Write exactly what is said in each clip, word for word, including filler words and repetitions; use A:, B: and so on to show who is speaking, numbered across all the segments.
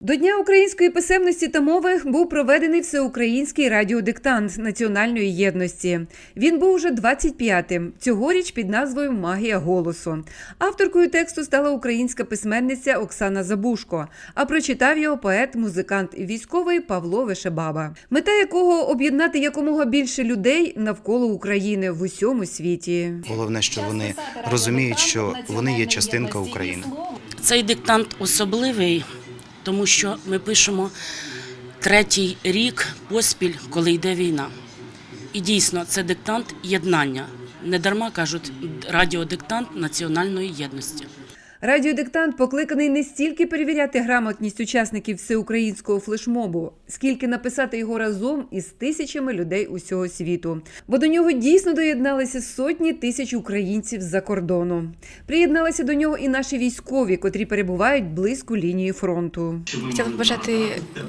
A: До Дня української писемності та мови був проведений всеукраїнський радіодиктант національної єдності. Він був уже двадцять п'ятим, цьогоріч під назвою «Магія голосу». Авторкою тексту стала українська письменниця Оксана Забушко, а прочитав його поет, музикант і військовий Павло Вишебаба, мета якого – об'єднати якомога більше людей навколо України в усьому світі.
B: Головне, що вони розуміють, що вони є частинка України.
C: Цей диктант особливий, тому що ми пишемо третій рік поспіль, коли йде війна. І дійсно, це диктант єднання. Недарма кажуть радіодиктант національної єдності.
A: Радіодиктант покликаний не стільки перевіряти грамотність учасників всеукраїнського флешмобу, скільки написати його разом із тисячами людей усього світу. Бо до нього дійсно доєдналися сотні тисяч українців з-за кордону. Приєдналися до нього і наші військові, котрі перебувають близько лінії фронту.
D: Хотіла б бажати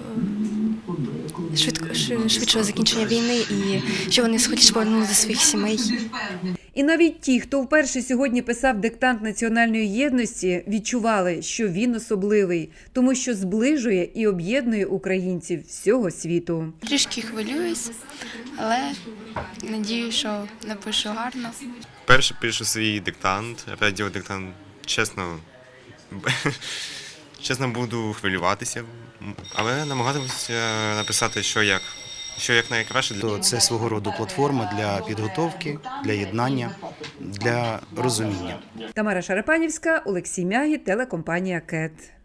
D: швидко, швидшого закінчення війни і щоб вони скоріше повернулися до своїх сімей.
A: І навіть ті, хто вперше сьогодні писав диктант національної єдності, відчували, що він особливий, тому що зближує і об'єднує українців всього світу.
D: Трішки хвилююсь, але надію, що напишу гарно.
E: Перше пишу свій диктант, радіодиктант. Чесно, чесно буду хвилюватися, але намагатимуся написати, що як. Що як найкраще.
B: Це свого роду платформа для підготовки, для єднання, для розуміння.
A: Тамара Шарапанівська, Олексій Мягі, телекомпанія «Кет».